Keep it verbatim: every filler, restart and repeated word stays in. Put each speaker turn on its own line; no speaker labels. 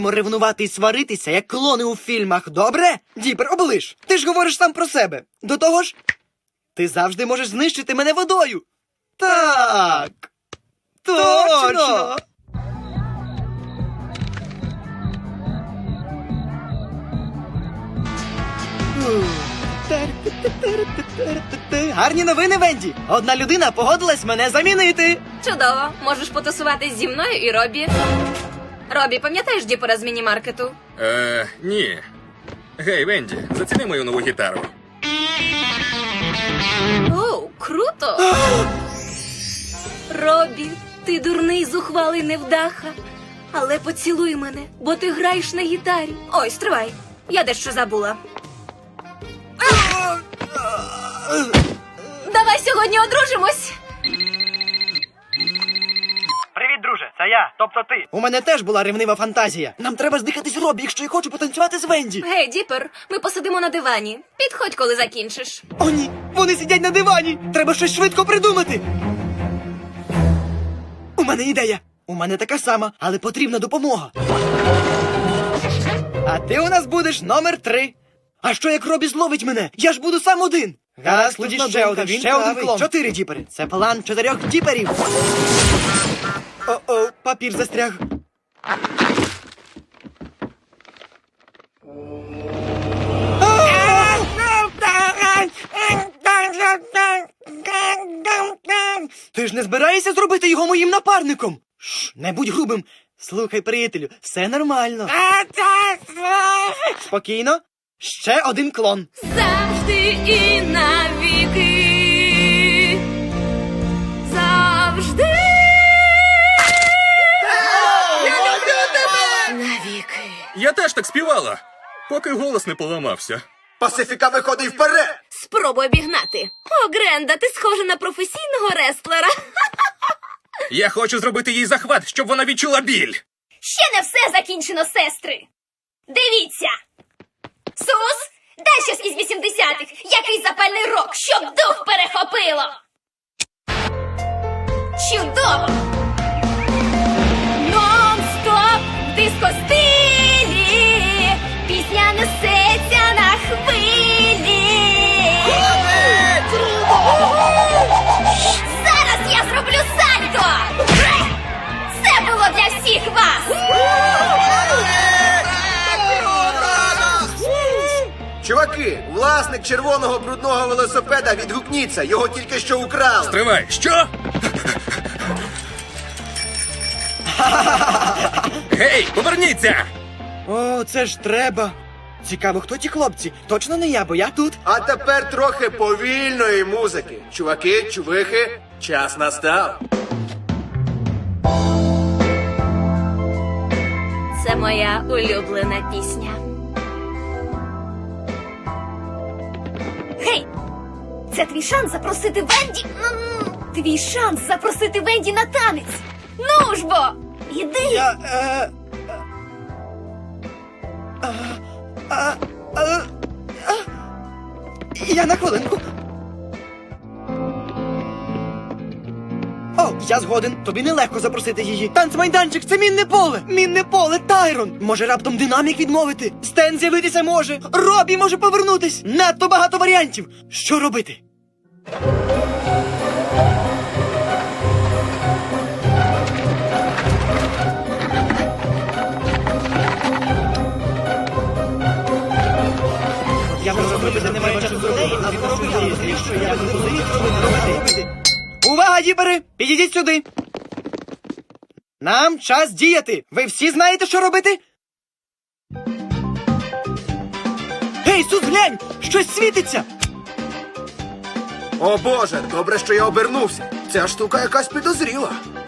ревнувати і сваритися, як клони у фільмах, добре? Діпер, оближ, ти ж говориш сам про себе. До того ж, ти завжди можеш знищити мене водою. Так, точно. Гарні новини, Венді. Одна людина погодилась мене замінити.
Чудово. Можеш потусуватись зі мною і Робі. Робі, пам'ятаєш Діпера з міні-маркету?
Е, ні. Гей, Венді, заціни мою нову гітару.
Оу, круто! Робі, ти дурний, зухвалий невдаха. Але поцілуй мене, бо ти граєш на гітарі. Ой, стривай, я дещо забула. Давай сьогодні одружимось.
Привіт, друже, це я, тобто ти. У мене теж була ревнива фантазія. Нам треба здихатись Робі, якщо я хочу потанцювати з Венді.
Гей, Діпер, ми посидимо на дивані. Підходь, коли закінчиш.
О, ні, вони сидять на дивані. Треба щось швидко придумати. У мене ідея. У мене така сама, але потрібна допомога. А ти у нас будеш номер три. А що як Робі зловить мене? Я ж буду сам один. Гаразд, тоді ще один, ще один клон. Чотири діпери. Це план чотирьох діперів. О-о, папір застряг. Ти ж не збираєшся зробити його моїм напарником? Шш, не будь грубим. Слухай, приятелю, все нормально. Спокійно. Ще один клон.
Завжди і навіки. Завжди. Навіки.
Я теж так співала, поки голос не поламався.
Пасифіка виходить вперед!
Спробуй обігнати. О, Гренда, ти схожа на професійного рестлера.
Я хочу зробити їй захват, щоб вона відчула біль.
Ще не все закінчено, сестри. Дивіться. Сус, дай щось із вісімдесятих. Який запальний рок, щоб дух перехопило. Чудово. Нон-стоп в диско-стилі. Пісня несеться на хвилі. Зараз я зроблю сальто. Це було для всіх вас.
Чуваки, власник червоного брудного велосипеда відгукніться, його тільки що украли.
Тривай, що? Гей, поверніться!
О, це ж треба. Цікаво, хто ті хлопці? Точно не я, бо я тут.
А тепер трохи повільної музики. Чуваки, чувихи, час настав.
Це моя улюблена пісня. Гей! Це твій шанс запросити Венді. Твій шанс запросити Венді на танець. Ну ж бо! Іди!
Я, е... А, а, а, а, я на хвилинку. О, я згоден. Тобі нелегко запросити її. Танцмайданчик, це мінне поле. Мінне поле, Тайрон. Може раптом динамік відмовити? Стен з'явитися може. Робі може повернутись. Надто багато варіантів. Що робити? Я можу зробити, немає часу до неї, а скоро виявиться, якщо я буду злити, що ви не робите. Увага, діпери! Підійдіть сюди! Нам час діяти! Ви всі знаєте, що робити? Гей, Сус, глянь! Щось світиться!
О боже, добре, що я обернувся. Ця штука якась підозріла.